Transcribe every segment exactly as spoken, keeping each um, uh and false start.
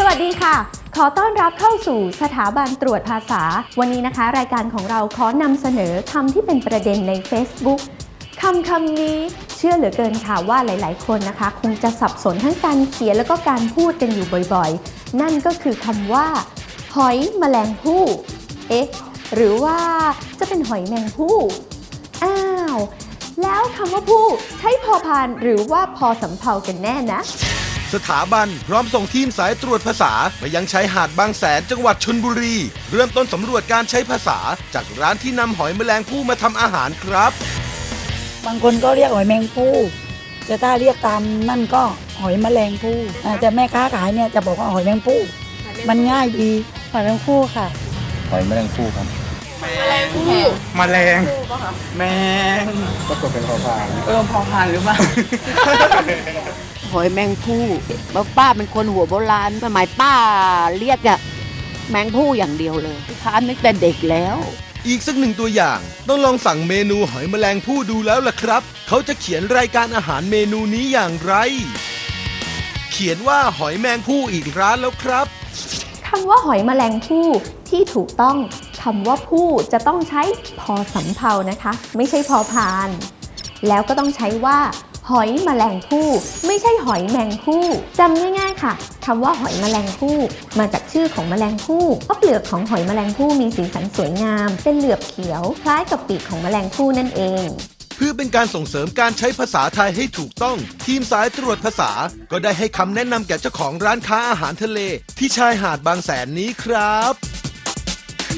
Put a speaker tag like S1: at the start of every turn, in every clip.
S1: วัสดีค่ะขอต้อนรับเข้าสู่สถาบันตรวจภาษาวันนี้นะคะรายการของเราขอนำเสนอคำที่เป็นประเด็นใน Facebook คำคำนี้เชื่อเหลือเกินค่ะว่าหลายๆคนนะคะคงจะสับสนทั้งการเขียนแล้วก็การพูดกันอยู่บ่อยๆนั่นก็คือคำว่าหอยแมลงภู่เอ๊ะหรือว่าจะเป็นหอยแมงภู่อ้าวแล้วคำว่าภู่ใช้พอพานหรือว่าพอสำเภากันแน่นะ
S2: สถาบันพร้อมส่งทีมสายตรวจภาษาไปยังชายหาดบางแสนจังหวัดชลบุรีเริ่มต้นสำรวจการใช้ภาษาจากร้านที่นำหอยแมลงภู่มาทำอาหารครับ
S3: บางคนก็เรียกหอยแมงภู่แต่ถ้าเรียกตามนั่นก็หอยแมลงภู่แต่แม่ค้าขายเนี่ยจะบอกว่าหอยแมงภู่มันง่ายดีหอยแมงภู่ค่ะ
S4: หอยแมลงภู่ครับ
S5: แมลงภู่แมลงแมง
S4: ก็กดเป็นพอพาน
S5: เออพอพานหรือเปล่า
S6: หอยแมงภู่ป้าเป็นคนหัวโบราณสมัยป้าเรียกอะแมงภู่อย่างเดียวเลยทานตั้งแต่เด็กแล้ว
S2: อีกสักหนึ่งตัวอย่างต้องลองสั่งเมนูหอยแมลงภู่ดูแล้วล่ะครับเขาจะเขียนรายการอาหารเมนูนี้อย่างไรเขียนว่าหอยแมงภู่อีกร้านแล้วครับ
S1: คำว่าหอยแมลงภู่ที่ถูกต้องคำว่าภู่จะต้องใช้พอสำเภานะคะไม่ใช่พอพานแล้วก็ต้องใช้ว่าหอยแมลงภู่ไม่ใช่หอยแมงภู่จำง่ายๆค่ะคำว่าหอยแมลงภู่มาจากชื่อของแมลงภู่เพราะเปลือกของหอยแมลงภู่มีสีสันสวยงามเป็นเหลือบเขียวคล้ายกับปีกของแมลงภู่นั่นเอง
S2: เพื่อเป็นการส่งเสริมการใช้ภาษาไทยให้ถูกต้องทีมสายตรวจภาษาก็ได้ให้คำแนะนำแก่เจ้าของร้านค้าอาหารทะเลที่ชายหาดบางแสนนี้ครับ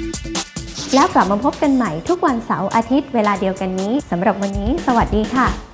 S1: แล้วกลับมาพบกันใหม่ทุกวันเสาร์อาทิตย์เวลาเดียวกันนี้สำหรับวันนี้สวัสดีค่ะ